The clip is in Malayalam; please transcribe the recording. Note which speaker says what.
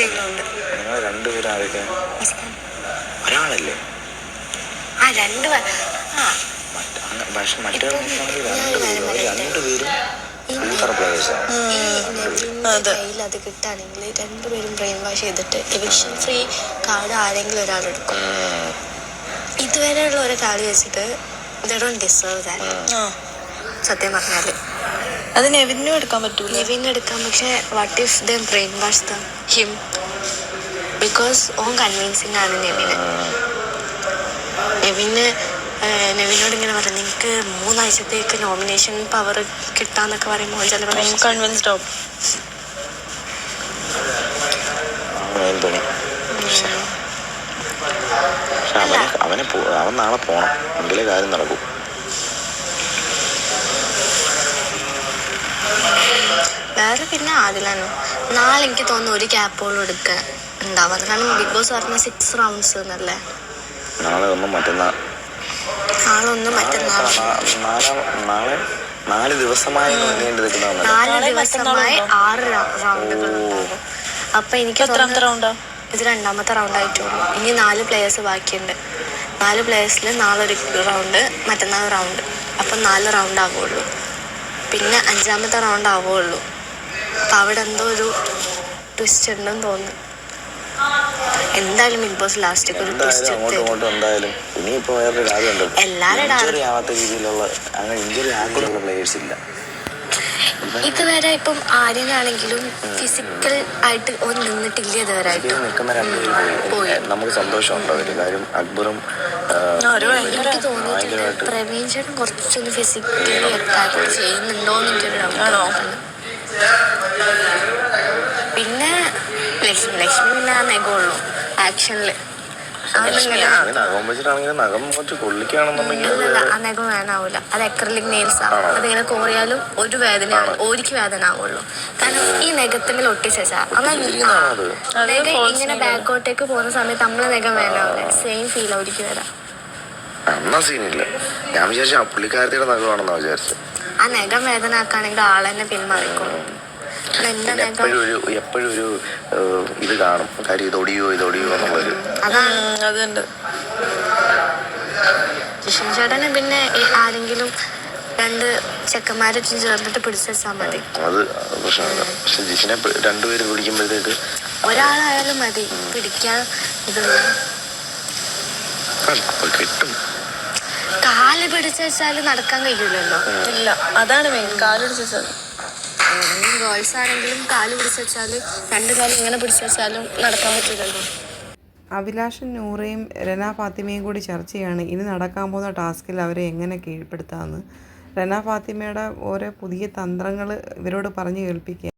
Speaker 1: ബാക്കിലുണ്ട്.
Speaker 2: നിങ്ങൾ രണ്ടുപേരും ആരൊക്കെ? ഒരാളല്ലേ? പക്ഷെ മറ്റേ രണ്ടുപേരും
Speaker 1: കയ്യിൽ അത് കിട്ടുകയാണെങ്കിൽ രണ്ടുപേരും ബ്രെയിൻ വാഷ് ചെയ്തിട്ട് എവിക്ഷൻ ഫ്രീ കാർഡ് ആരെങ്കിലും ഒരാളെടുക്കും. ഇതുവരെയുള്ള ഒരു കാർഡ് വെച്ചിട്ട് സത്യം പറഞ്ഞാല്
Speaker 3: അത് നെവിനും എടുക്കാൻ പറ്റൂല.
Speaker 1: നെവിനും എടുക്കാം. പക്ഷെ what if the brain wash the him? Because on convincing ആണ് നെവിനോട് ഇങ്ങനെ പറഞ്ഞു, നിങ്ങൾക്ക് 3 ആഴ്ചത്തേക്ക് നോമിനേഷൻ പവർ കിട്ടാന്നൊക്കെ പറയുമ്പോൾ ചിലപ്പോൾ
Speaker 3: കൺവിൻസ്ഡ് ആവും.
Speaker 2: അവൻ നാളെ പോണം, എങ്കിലേ കാര്യം നടക്കും.
Speaker 1: വേറെ പിന്നെ ആദിലാണ്. നാളെ എനിക്ക് തോന്നുന്നു ഒരു ക്യാപ്പോളും എടുക്കാൻ ഉണ്ടാവാം. കാരണം ബിഗ് ബോസ് പറഞ്ഞ 6 റൗണ്ട്സ് എന്നല്ലേ.
Speaker 2: നാളെ ഒന്നും മറ്റന്നാൾ 4 ദിവസമായി
Speaker 1: 6 റൗണ്ടുകൾ ഉണ്ടാകും. അപ്പൊ എനിക്ക് ഇത് 2ാമത്തെ റൗണ്ടായിട്ടുള്ളൂ. ഇനി 4 പ്ലേയേഴ്സ് ബാക്കിയുണ്ട്. 4 പ്ലേയേഴ്സിൽ നാളെ ഒരു റൗണ്ട്, മറ്റന്നാൾ റൗണ്ട്. അപ്പം 4 റൗണ്ട് ആവുള്ളൂ. പിന്നെ 5ാമത്തെ റൗണ്ട് ആവുള്ളൂ. അപ്പം അവിടെ എന്തോ ഒരു ട്വിസ്റ്റ് ഉണ്ടെന്ന് തോന്നുന്നു. എന്തായാലും ബിഗ് ബോസ് ലാസ്റ്റ് ഒരു ട്വിസ്റ്റ് ഇതുവരെ ഇപ്പം ആര്യനാണെങ്കിലും ഫിസിക്കൽ ആയിട്ട് നിന്നിട്ടില്ല. ഇതുവരെ
Speaker 2: നമുക്ക് സന്തോഷമുണ്ടോ? കാര്യം അക്ബറും
Speaker 1: എനിക്ക് തോന്നിയിട്ടുണ്ട് പ്രവീൺ ചേട്ടൻ കുറച്ചൊന്ന് ഫിസിക്കലി അറ്റാക്ക് ചെയ്യുന്നുണ്ടോന്ന് എനിക്കൊരു ഡൗട്ട്. പിന്നെ ലക്ഷ്മി പിന്നെ ആ നെഗമുള്ളൂ ആക്ഷനില്. ആ നെഗം വേനാവൂല. അത് അക്രിലിക് നെയിൽസ് ആവും. അതിങ്ങനെ കോറിയാലും ഒരു വേദന ഒരിക്കൽ വേദന ആവുള്ളൂ. കാരണം ഈ നെഗത്തിൽ ഒട്ടിച്ചാ നെഗ ഇങ്ങനെ ബാക്കോട്ടേക്ക് പോകുന്ന സമയത്ത് നമ്മളെ നെഗം വേനാവില്ല. സെയിം ഫീൽ ഒരിക്കൽ വരാം. ആ നെഗം വേദന ആക്കാണെങ്കിൽ ആളെന്നെ പിന്മാറിക്കോളും.
Speaker 2: എപ്പോഴും ഒരു ഇത് കാണും, കാര്യം ഇതൊടിയോ എന്നുള്ളൊരു.
Speaker 1: അതുണ്ട്. ജിഷൻ ചേട്ടന് പിന്നെ ആരെങ്കിലും 2 ചെക്കന്മാരെ ചേർന്നിട്ട് പിടിച്ചു വെച്ചാൽ മതി.
Speaker 2: അത് പ്രശ്നമില്ല. പക്ഷെ ജിഷിനെ 2 പേര് പിടിക്കുമ്പോഴത്തേക്ക്
Speaker 1: ഒരാളായാലും മതി പിടിക്കാൻ.
Speaker 2: കിട്ടും.
Speaker 1: കാല് പിടിച്ചു വെച്ചാല് നടക്കാൻ കഴിയില്ലല്ലോ.
Speaker 3: ഇല്ല, അതാണ് മെയിൻ. കാല് പിടിച്ചു വെച്ചാൽ
Speaker 1: ഗേൾസ് ആണെങ്കിലും കാല് പിടിച്ചു വെച്ചാല് 2 കാലം ഇങ്ങനെ പിടിച്ചു വെച്ചാലും നടക്കാൻ പറ്റില്ലല്ലോ.
Speaker 4: അഭിലാഷും നൂറയും റെന ഫാത്തിമയും കൂടി ചർച്ചയാണ് ഇനി നടക്കാൻ പോകുന്ന ടാസ്കിൽ അവരെ എങ്ങനെ കീഴ്പ്പെടുത്താമെന്ന്. റെന ഫാത്തിമയുടെ ഓരോ പുതിയ തന്ത്രങ്ങൾ ഇവരോട് പറഞ്ഞു കേൾപ്പിക്കുക.